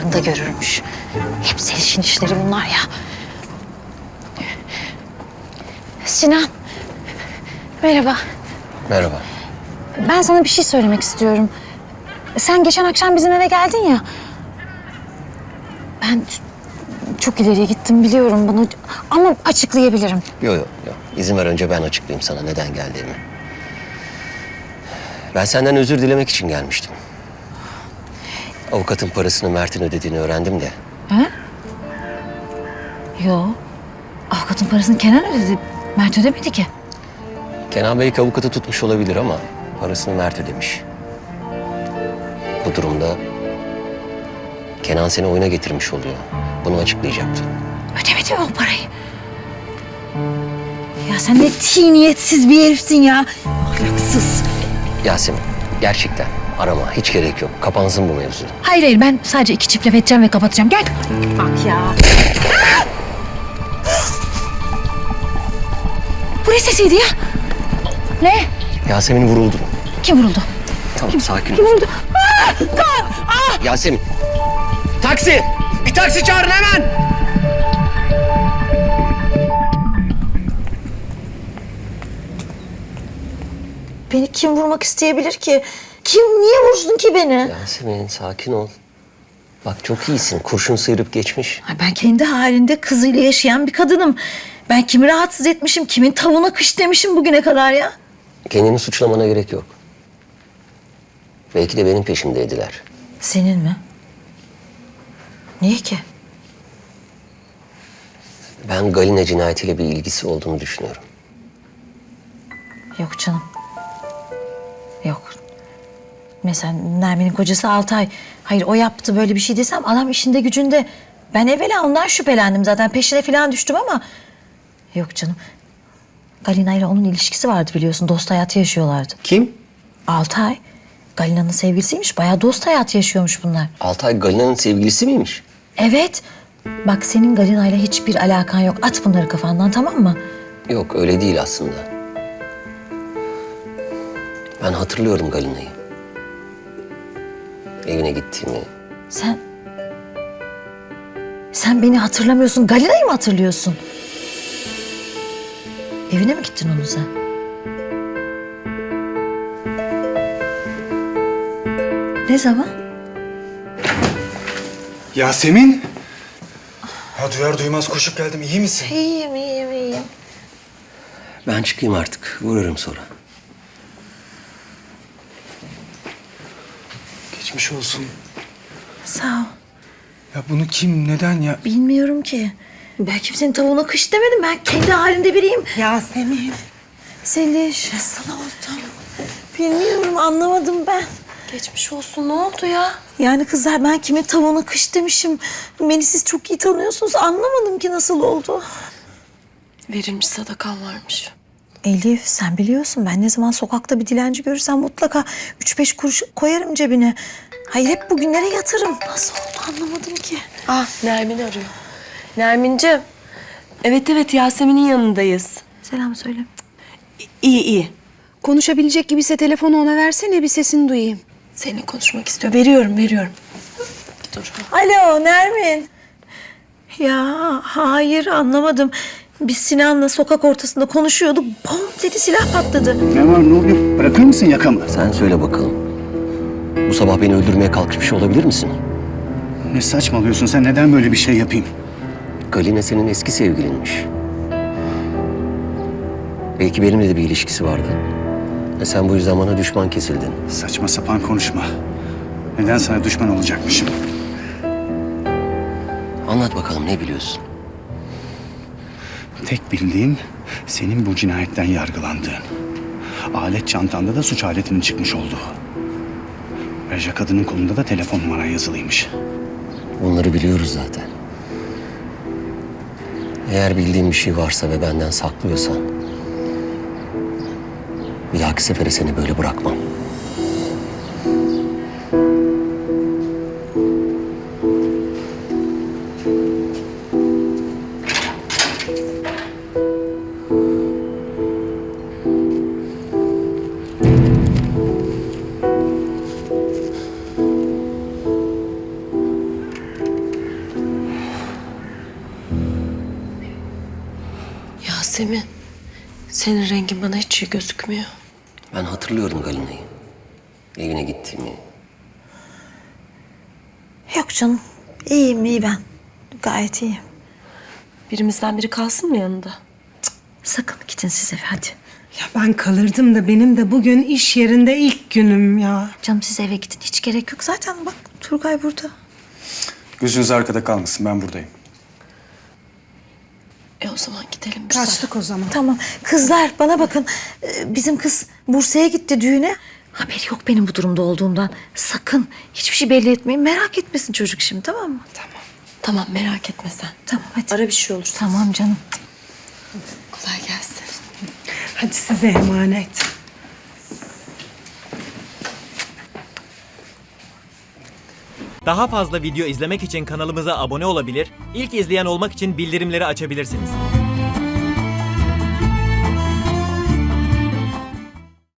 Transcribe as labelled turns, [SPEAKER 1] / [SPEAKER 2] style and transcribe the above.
[SPEAKER 1] rüyalarında görürmüş. Hep Zeliş'in işleri bunlar ya. Sinan. Merhaba.
[SPEAKER 2] Merhaba.
[SPEAKER 1] Ben sana bir şey söylemek istiyorum. Sen geçen akşam bizim eve geldin ya. Ben çok ileriye gittim biliyorum bunu ama açıklayabilirim.
[SPEAKER 2] Yok. İzin ver, önce ben açıklayayım sana neden geldiğimi. Ben senden özür dilemek için gelmiştim. Avukatın parasını Mert'in ödediğini öğrendim de.
[SPEAKER 1] He? Yo. Avukatın parasını Kenan ödedi. Mert ödemedi ki.
[SPEAKER 2] Kenan belki avukatı tutmuş olabilir ama parasını Mert ödemiş. Bu durumda Kenan seni oyuna getirmiş oluyor. Bunu açıklayacaktım.
[SPEAKER 1] Ödemedi mi o parayı? Ya sen ne tiniyetsiz bir herifsin ya. Ahlaksız.
[SPEAKER 2] Yasemin, gerçekten arama, hiç gerek yok. Kapansın bu mevzu.
[SPEAKER 1] Hayır ben sadece 2 çift laf edeceğim ve kapatacağım. Gel. Bak ya. Bu ne sesiydi ya? Ne?
[SPEAKER 2] Yasemin vuruldu.
[SPEAKER 1] Kim vuruldu?
[SPEAKER 2] Tamam, sakin ol.
[SPEAKER 1] Kim vuruldu?
[SPEAKER 2] Yasemin! Taksi! Bir taksi çağırın hemen!
[SPEAKER 3] Beni kim vurmak isteyebilir ki? Niye vursun ki beni?
[SPEAKER 2] Yasemin, sakin ol. Bak çok iyisin. Kurşun sıyırıp geçmiş.
[SPEAKER 3] Ay, ben kendi halinde kızıyla yaşayan bir kadınım. Ben kimi rahatsız etmişim, kimin tavuğuna kış demişim bugüne kadar ya.
[SPEAKER 2] Kendini suçlamana gerek yok. Belki de benim peşimdeydiler.
[SPEAKER 3] Senin mi? Niye ki?
[SPEAKER 2] Ben Galina cinayetiyle bir ilgisi olduğunu düşünüyorum.
[SPEAKER 3] Yok canım. Yok. Mesela Nermin'in kocası Altay. Hayır o yaptı böyle bir şey desem adam işinde gücünde. Ben evvela ondan şüphelendim zaten. Peşine falan düştüm ama... Yok canım. Galina ile onun ilişkisi vardı biliyorsun. Dost hayatı yaşıyorlardı.
[SPEAKER 2] Kim?
[SPEAKER 3] Altay. Galina'nın sevgilisiymiş. Bayağı dost hayatı yaşıyormuş bunlar.
[SPEAKER 2] Altay Galina'nın sevgilisi miymiş?
[SPEAKER 3] Evet. Bak senin Galina'yla hiçbir alakan yok. At bunları kafandan, tamam mı?
[SPEAKER 2] Yok, öyle değil aslında. Ben hatırlıyorum Galina'yı. Evine gittiğimi.
[SPEAKER 3] Sen beni hatırlamıyorsun. Galina'yı mı hatırlıyorsun? Evine mi gittin onun sen? Ne zaman?
[SPEAKER 4] Yasemin! Ya duyar duymaz koşup geldim. İyi misin?
[SPEAKER 3] İyiyim.
[SPEAKER 2] Ben çıkayım artık. Vururum sonra.
[SPEAKER 4] Geçmiş olsun.
[SPEAKER 3] Sağ ol.
[SPEAKER 4] Ya bunu kim, neden ya?
[SPEAKER 3] Bilmiyorum ki. Ben kimsenin tavuğuna kış demedim. Ben kendi halinde biriyim.
[SPEAKER 5] Yasemin,
[SPEAKER 3] Seliş.
[SPEAKER 5] nasıl oldu?
[SPEAKER 3] Bilmiyorum, anlamadım ben.
[SPEAKER 5] Geçmiş olsun, ne oldu ya?
[SPEAKER 3] Yani kızlar ben kimin tavuğuna kış demişim. Beni siz çok iyi tanıyorsunuz. Anlamadım ki nasıl oldu.
[SPEAKER 5] Verilmiş sadakan varmış.
[SPEAKER 3] Elif sen biliyorsun ben ne zaman sokakta bir dilenci görürsem mutlaka 3-5 kuruş koyarım cebine. Hayır hep bugünlere yatırım. Nasıl oldu anlamadım ki.
[SPEAKER 5] Nermin arıyor. Nermin'ciğim. Evet, Yasemin'in yanındayız.
[SPEAKER 3] Selam söyle.
[SPEAKER 5] İyi.
[SPEAKER 6] Konuşabilecek gibiyse telefonu ona versene, bir sesini duyayım.
[SPEAKER 5] Seninle konuşmak istiyor. Veriyorum. Dur.
[SPEAKER 3] Alo Nermin. Ya hayır anlamadım. Biz Sinan'la sokak ortasında konuşuyorduk. Bom dedi silah patladı.
[SPEAKER 7] Ne var ne oluyor? Bırakır mısın yakamı?
[SPEAKER 2] Sen söyle bakalım. Bu sabah beni öldürmeye kalkışmış olabilir misin?
[SPEAKER 7] Ne saçmalıyorsun sen? Neden böyle bir şey yapayım?
[SPEAKER 2] Galina senin eski sevgilinmiş. Belki benimle de bir ilişkisi vardı. Ve sen bu yüzden bana düşman kesildin.
[SPEAKER 7] Saçma sapan konuşma. Neden sana düşman olacakmışım?
[SPEAKER 2] Anlat bakalım, ne biliyorsun?
[SPEAKER 7] Tek bildiğim senin bu cinayetten yargılandığın. Alet çantanda da suç aletinin çıkmış olduğu. Ayrıca kadının kolunda da telefon numaran yazılıymış.
[SPEAKER 2] Bunları biliyoruz zaten. Eğer bildiğin bir şey varsa ve benden saklıyorsan... bir dahaki sefere seni böyle bırakmam.
[SPEAKER 5] Yasemin, senin rengin bana hiç iyi gözükmüyor.
[SPEAKER 2] Ben hatırlıyorum Galina'yı. Evine gittiğimi.
[SPEAKER 3] Yok canım. İyiyim iyi ben. Gayet iyiyim.
[SPEAKER 5] Birimizden biri kalsın mı yanında?
[SPEAKER 3] Sakın gidin siz eve hadi.
[SPEAKER 6] Ya ben kalırdım da benim de bugün iş yerinde ilk günüm ya.
[SPEAKER 3] Canım siz eve gidin. Hiç gerek yok. Zaten bak Turgay burada.
[SPEAKER 4] Gözünüz arkada kalmasın, ben buradayım.
[SPEAKER 5] O zaman gidelim biz.
[SPEAKER 6] Kaçtık o zaman.
[SPEAKER 3] Tamam. Kızlar bana bakın. Bizim kız Bursa'ya gitti düğüne. Haberi yok benim bu durumda olduğumdan. Sakın hiçbir şey belli etmeyin. Merak etmesin çocuk şimdi tamam mı?
[SPEAKER 5] Tamam, merak etme sen.
[SPEAKER 3] Tamam hadi.
[SPEAKER 5] Ara bir şey olursa.
[SPEAKER 3] Tamam canım.
[SPEAKER 5] Kolay gelsin.
[SPEAKER 6] Hadi size emanet.
[SPEAKER 8] Daha fazla video izlemek için kanalımıza abone olabilir, ilk izleyen olmak için bildirimleri açabilirsiniz.